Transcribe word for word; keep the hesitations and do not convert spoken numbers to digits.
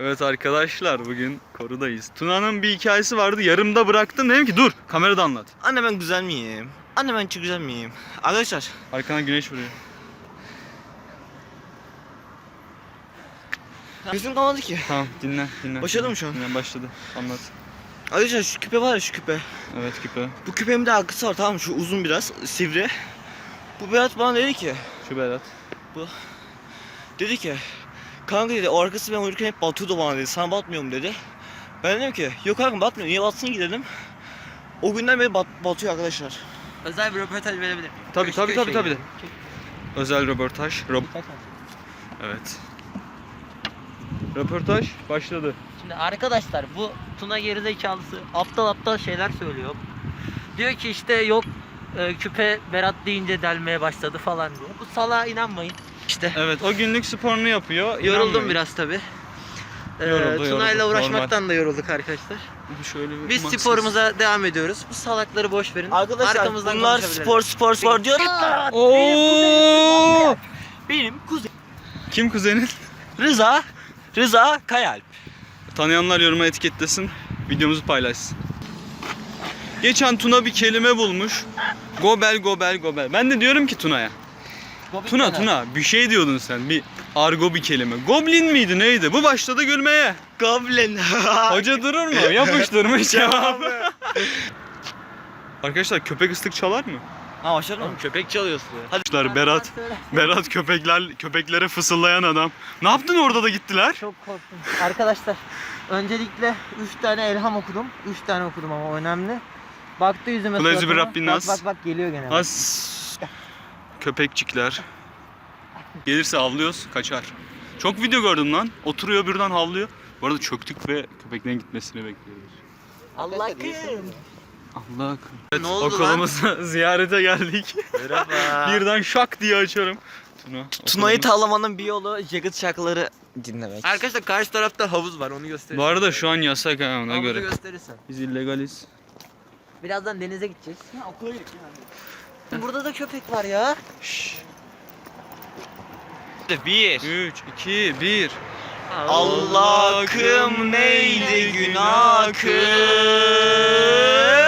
Evet arkadaşlar, bugün korudayız. Tuna'nın bir hikayesi vardı, yarımda bıraktım. Dedim ki dur, kamerada anlat. Anne ben güzel miyim? Anne ben çok güzel miyim? Arkadaşlar. Arkana güneş vuruyor. Gözüm kalmadı ki. Tamam, dinle dinle. Başladı dinle, mı şu an? Dinle, başladı. Anlat. Arkadaşlar şu küpe var ya, şu küpe. Evet, küpe. Bu küpemin de arkası var, tamam mı? Şu uzun biraz, sivri. Bu Berat bana dedi ki. Şu Berat. Bu. Dedi ki. Kanka dedi, o arkası ben uyurken hep batıyordu bana dedi. Sana batmıyor mu dedi. Ben dedim ki yok kanka batmıyor. Niye batsın ki dedim. O günden beri bat, batıyor arkadaşlar. Özel bir röportaj verebilir miyim? Tabii Köşk tabii tabii köşeye tabii. gidelim. Özel röportaj. Rob evet. Röportaj başladı. Şimdi arkadaşlar, bu Tuna gerizekalısı aptal aptal şeyler söylüyor. Diyor ki işte yok e, küpe Berat deyince delmeye başladı falan diyor. Bu salağa inanmayın. İşte Evet, o günlük sporunu yapıyor. yoruldum İnanmayın. biraz tabi. Ee, Yoruldu, Tuna'yla yoruldu. uğraşmaktan da yorulduk arkadaşlar. Şöyle bir Biz maksız. sporumuza devam ediyoruz. Bu salakları boş verin. Arkadaşlar Arkamızdan bunlar konuşabiliriz. spor spor spor diyor. Oo! Benim kuzenim Kim kuzenin? Rıza. Rıza Kayalp. Tanıyanlar yoruma etiketlesin, videomuzu paylaşsın. Geçen Tuna bir kelime bulmuş. Gobel gobel gobel. Ben de diyorum ki Tuna'ya. Tuna Tuna bir şey diyordun sen, bir argo bir kelime. Goblin miydi neydi? Bu başladı gülmeye. Goblin. Hoca durur mu? Yapıştırmış cevabı. Arkadaşlar, köpek ıslık çalar mı? Ha başlar mı? Köpek çalıyorsun. Arkadaşlar, Berat Berat köpekler köpeklere fısıldayan adam. Ne yaptın orada da gittiler? Çok korktum. Arkadaşlar, öncelikle üç tane elham okudum. üç tane okudum ama önemli. Baktı yüzüme Kulezi bir suratıma. Rabbin Bak nas. bak bak geliyor gene. As köpekçikler. Gelirse havlıyoruz, kaçar. Çok video gördüm lan. Oturuyor birden havlıyor. Bu arada çöktük ve köpeklerin gitmesini bekliyoruz. Allah kım. Allah akım. Evet, Ne oldu okulumuza ziyarete geldik. Merhaba. Birden şak diye açarım. Tuna, Tuna'yı okulumuz- tavlamanın bir yolu Jagged şarkıları dinlemek. Arkadaşlar, karşı tarafta havuz var, onu göstereyim. Bu arada şu an yasak ha, ona Havuzu göre. gösterirsen. Biz illegaliz. Birazdan denize gideceğiz. Ya okula gidelim yani. Burada da köpek var ya. Şşş. Bir. üç, iki, bir. Allah kım neydi günah kım.